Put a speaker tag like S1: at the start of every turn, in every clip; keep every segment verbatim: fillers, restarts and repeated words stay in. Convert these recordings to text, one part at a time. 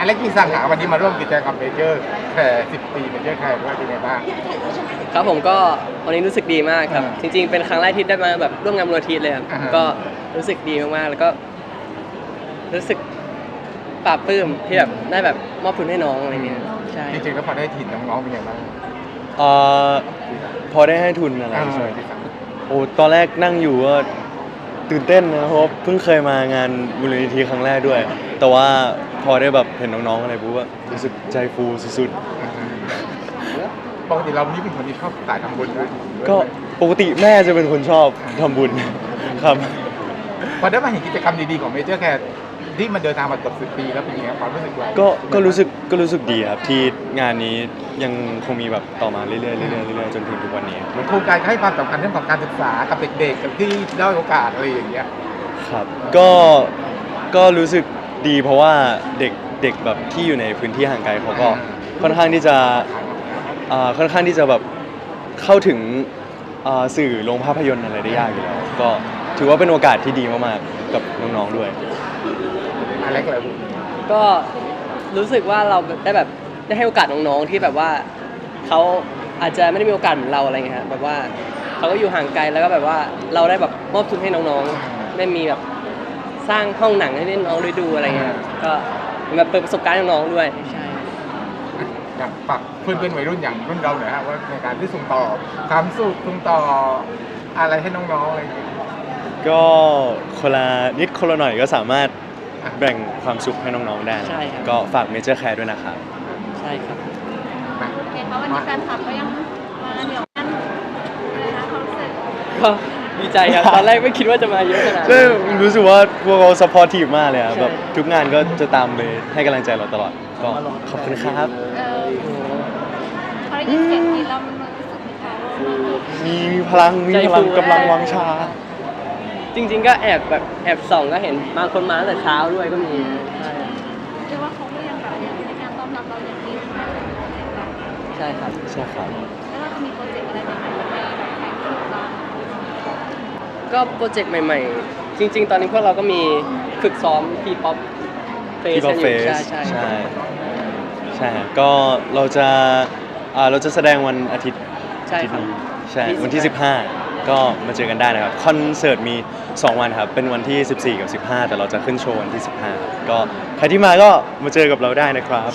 S1: อเล็กมีสั่งหาวันนี้มาร่วมกิจกรรมเมเจอร์แคร์สิบปีเมเจอร์แคร์ด้วยเป็นไงบ้าง
S2: ครับผมก็วันนี้รู้สึกดีมากครับจริงๆเป็นครั้งแรกที่ได้มาแบบร่วมงานมูลนิธิเลยครับก็รู้สึกดีมากๆแล้วก็รู้สึกปลาบปลื้มที่แบบได้แบบมอบทุนให้น้องอะไรเงี้ยใช่
S1: จริงๆแล้วพอได้ถิ่นน้องๆเป็นไงบ้าง
S3: เอ่อพอได้ให้ทุนอะไรใช่ไหมโอ้ตอนแรกนั่งอยู่ก็ตื่นเต้นนะเพราะเพิ่งเคยมางานมูลนิธิครั้งแรกด้วยแต่ว่าพอได้แบบเห็นน้องๆอะไรปุ๊บว่ารู้สึกใจฟูสุด
S1: ปกติเรานี่เป็นคนที่ชอบสายทำบุญด้วย
S3: ๆก็ปกติแม่จะเป็นคนชอบทำบุญครับ
S1: พอได้มาเห็นกิจกรรมดีๆของเมเจอร์แคร์ที่มันเดินทางมาเกือบสิบปีแล้วเป็นยังไงความรู้สึกเรา
S3: ก็ก็รู้สึกก็รู้สึกดีครับที่งานนี้ยังคงมีแบบต่อมาเรื่อยๆเรื่อยๆเรื่อยๆจนถึงทุกวันนี้
S1: เหมือนโครงการให้ความสำคัญเรื่องของการศึกษากับเด็กๆกับที่ด้อยโอกาสอะไรอย่างเงี้ย
S3: ครับก็ก็รู้สึกดีเพราะว่าเด็กเด็กแบบที่อยู่ในพื้นที่ห่างไกลเขาก็ค่อนข้างที่จะอ่าค่อนข้างที่จะแบบเข้าถึงอ่าสื่อโรงภาพยนตร์อะไรได้ยากอยู่แล้วก็ถือว่าเป็นโอกาสที่ดีมากๆกับน้องๆด้วย
S1: อะไรก็เลย
S2: ก็รู้สึกว่าเราได้แบบได้ให้โอกาสน้องๆที่แบบว่าเขาอาจจะไม่ได้มีโอกาสเหมือนเราอะไรเงี้ยแบบว่าเขาก็อยู่ห่างไกลแล้วก็แบบว่าเราได้แบบมอบทุนให้น้องๆได้มีแบบสร้างห้องหนังให้น้องได้ดูอะไรเงี้ยก็แบบเปิดประสบการณ์ให้น้องๆด้วยใช่
S1: อยากฝากเพื่อนๆวัยรุ่นอย่างรุ่นเราหน่อยฮะว่าในการที่ส่งต่อความสุขส่งต่ออะไรให้น้องๆอะไรอย่างเงี้ย
S3: ก็คนละนิดคนละหน่อยก็สามารถแบ่งความสุขให้น้องๆได้ก็ฝากเมเจอร์แคร์ด้วยนะครับ
S2: ใช่ครับ
S4: เห็นว่าวันนี้แฟนคลับก็ยังมาเหนียวแน่นนะคะความรู้สึก
S2: ก็ดีใจครับตอนแรกไม่คิดว่าจะมาเยอะขนาด
S3: นี้รู้สึกว่าพวกเราซัพพอร์ตทีมมากเลยครับแบบทุกงานก็จะตามไปให้กำลังใจเราตลอดก็ขอบคุณครับ
S4: เออพอได้ยินเสียงนี้เรามันรู้สึกมีการ
S3: มีมีพลังมีพลังกำลังวังชา
S2: จริงๆก็แอบแบบแอบส่องก็เห็นบางคนมาตั้งแต่เช้าด้วยก็มี
S4: เรียกว่าเขาก็ยังแบบในการต้อนรับเราอย่างดี
S2: ใช่ครับ
S3: ใช่ครับ
S4: แล้วเราจะมีโปรเจกต์อะไรใหม่ๆในแบบแข่งขันบ้าง
S2: ก็โปรเจกต์ใหม่ๆจริงๆตอนนี้พวกเราก็มีฝึกซ้อมทีป๊อปเฟส
S3: อยู่ใช่ใช่ใช่ใช่ก็เราจะอ่าเราจะแสดงวันอาทิตย์
S2: ใช่ครับ
S3: ใช่วันที่สิบห้าก็มาเจอกันได้นะครับคอนเสิร์ตมีสองวันครับเป็นวันที่สิบสี่กับสิบห้าแต่เราจะขึ้นโชว์วันที่สิบห้าก็ใครที่มาก็มาเจอกับเราได้นะครับ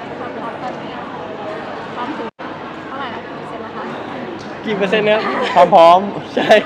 S2: กี่เปอร์เซ็นต์เนี่ย
S3: พร้อมพร้อม
S2: ใช่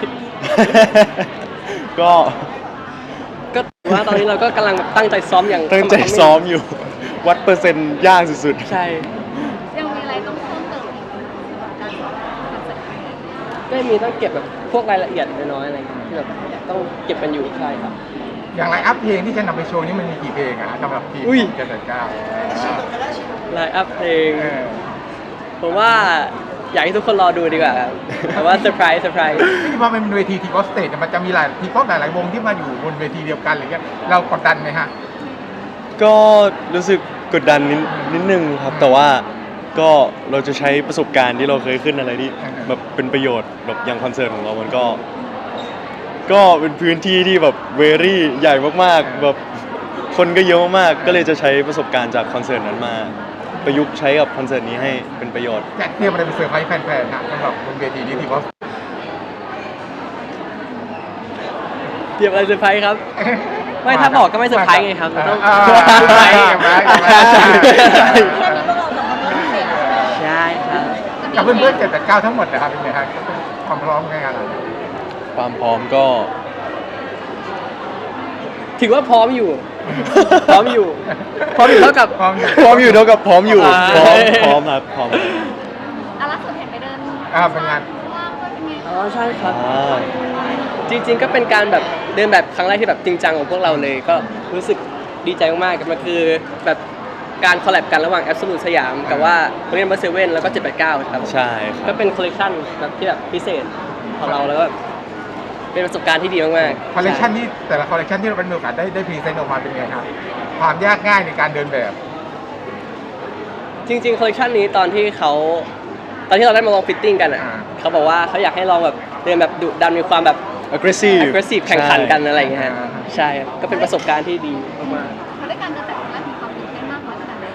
S3: ก็
S2: ก็ว่าตอนนี้เราก็กำลังตั้งใจซ้อมอย่าง
S3: ตั้งใจซ้อมอยู่วัดเปอร์เซ็นต์ยากสุด
S2: ๆใช่
S4: ยังมีอะไรต้องเพิ่มเติมอีกการซ้อมคอนเสิร์ต
S2: ก็มีต้องเก็บแบบพวกรายละเอียดน้อยๆอะไรที่แบบต้องเก็บกันอยู่ใช่ครับ
S1: อย่างไลน์อัพเพลงที่จะนำไปโชว์นี่มันมีกี่เพลงอะสำหรับทีมเจ็ดแปดเก้า
S2: ไลน์อัพเพลงผมว่าอยากให้ทุกคนรอดูดีกว่าครับแต่ว่าเซอร์ไพรส์เซอร์ไพรส์
S1: ที่พอเป็นเวทีทีป๊อปสเตจมันจะมีหลายทีป๊อปหลายๆวงที่มาอยู่บนเวทีเดียวกันอะไรเงี้ยเรากดดันไหมฮะ
S3: ก็รู้สึกกดดันนิดนิดนึงครับแต่ว่าก็เราจะใช้ประสบการณ์ที่เราเคยขึ้นอะไรที่แบบเป็นประโยชน์แบบอย่างคอนเสิร์ตของเรามันก็ก็เป็นพื้นที่ที่แบบเวรี่ใหญ่มากๆแบบคนก็เยอะมากๆก็เลยจะใช้ประสบการณ์จากคอนเสิร์ตนั้นมาประยุกต์ใช้กับคอนเสิร์ตนี้ให้เป็นประโยชน์
S1: จะเตรียมอะไรเป็นเซอร์ไพรส์แฟนๆนะสำหรับบนเวทีนี้ทีป๊อป
S2: เตรียมอะไรเซอร์ไพรส์ครับไม่ถ้าบอกก็ไม่เซอร์ไพรส์ไงครับต้อง
S1: เซอร์ไพรส์
S2: ใช่ครับ
S1: กับเพื่อนๆเจ็ดแปดเก้าทั้งหมดนะครับเป็นไงครับความพร้อมไงกัน
S3: ความพร้อมก็
S2: ถือว่าพร้อมอยู่พร้อมอยู่พร้อมอยู่เท่ากับ
S1: พร้อมอยู่
S3: พร้อมอยู่เท่ากับพร้อมอยู่พร้อมพร้อมครับพร้อม
S4: อ่ะล่าสุดเห็นไปเดิน
S1: อ่าเป็นงาน
S4: ว่างด้วยเป็นไง
S2: อ๋อใช่ครับจริงๆก็เป็นการแบบเดินแบบครั้งแรกที่แบบจริงจังของพวกเราเลยก็รู้สึกดีใจมากๆมันคือแบบการคอลแลบกันระหว่าง Absolute สยามกับว่าโรงเรียนเบอร์เซเว่นแล้วก็เจ็ดแปดเก้าครับ
S3: ใช่ครับ
S2: ก็เป็นคอลเลคชันแบบที่แบบพิเศษของเราแล้วก็เป็นประสบการณ์ที่ดีมาก
S1: ๆคอลเลคชันที่แต่ละคอลเลคชันที่เราเป็นโอกาสได้ได้พรีเซนต์ออกมาเป็นไงครับความยากง่ายในการเดินแบบ
S2: จริงๆคอลเลคชันนี้ตอนที่เขาตอนที่เราได้มาลองฟิตติ้งกันอ่ะเขาบอกว่าเขาอยากให้ลองแบบเดินแบบดุดันมีความแบบ
S3: aggressive
S2: aggressive แข่งขันกันอะไรอย่างเงี้ยใช่ก็เป็นประสบการณ์ที่ดีมาก
S4: ๆเขาได้การเดินแบบครั้งแรกมีความตื่นเต้นมากน้อยขนาดไหน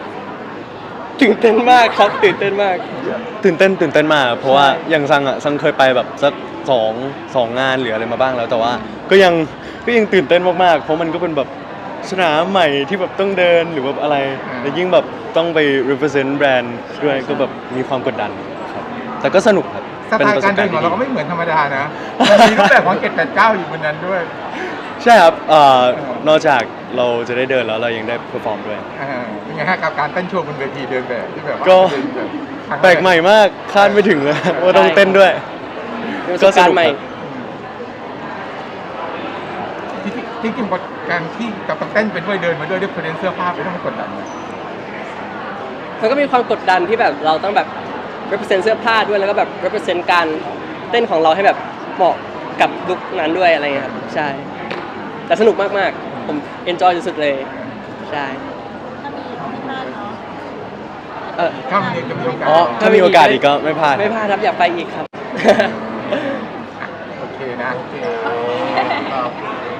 S2: ตื่นเต้นมากครับตื่นเต้นมาก
S3: ตื่นเต้นตื่นเต้นมากเพราะว่าอย่างซังอ่ะซังเคยไปแบบสักสองสองงานหรืออะไรมาบ้างแล้วแต่ว่าก็ยังก็ยังตื่นเต้นมากๆเพราะมันก็เป็นแบบสนามใหม่ที่แบบต้องเดินหรือแบบอะไรแล้วยิ่งแบบต้องไป represent แบรนด์ด้วยก็แบบมีความกดดันครับแต่ก็สนุกครับ
S1: สไตล์การเดินของเราก็ไม่เหมือนธรรมดานะมันมีรูปแบบของเกตแปดเก้าอยู่บนนั้นด้วย
S3: ใช่ครับเอ่อนอกจากเราจะได้เดินแล้วเรายังได้เพอร์ฟอร์มด้วย
S1: อ่าเป็นไงฮะกับการเต้นโชว์บนเวทีเดินแบบที่แบบว่า
S3: ก็
S1: เดินแบบครั้งร
S3: แปลกใหม่มากคาดไม่ถึงเลยว่าต้องเต้นด้วย
S2: เป็นประสบการณ์ใหม่
S1: ที่ที่ที่จริงการที่กับต้องเต้นไปด้วยเดินมาด้วยด้วยเพลงเสื้อผ้าไปต้องกดดันไหม
S2: มันก็มีความกดดันที่แบบเราต้องแบบ represent เสื้อผ้าด้วยแล้วก็แบบ represent การเต้นของเราให้แบบเหมาะกับลุคนั้นด้วยอะไรเงี้ยครับใช่แต่สนุกมากๆผม enjoy สุดๆเลยใช่
S4: ถ้ามีที่บ้านเนาะ
S2: เออ
S1: ถ้ามีจะมีโอกาส
S2: อ๋อ
S3: ถ้ามีโอกาสอีกก็ไม่พลาด
S2: ไม่พลาดครับอยากไปอีกครับ
S1: โอเคนะโอเค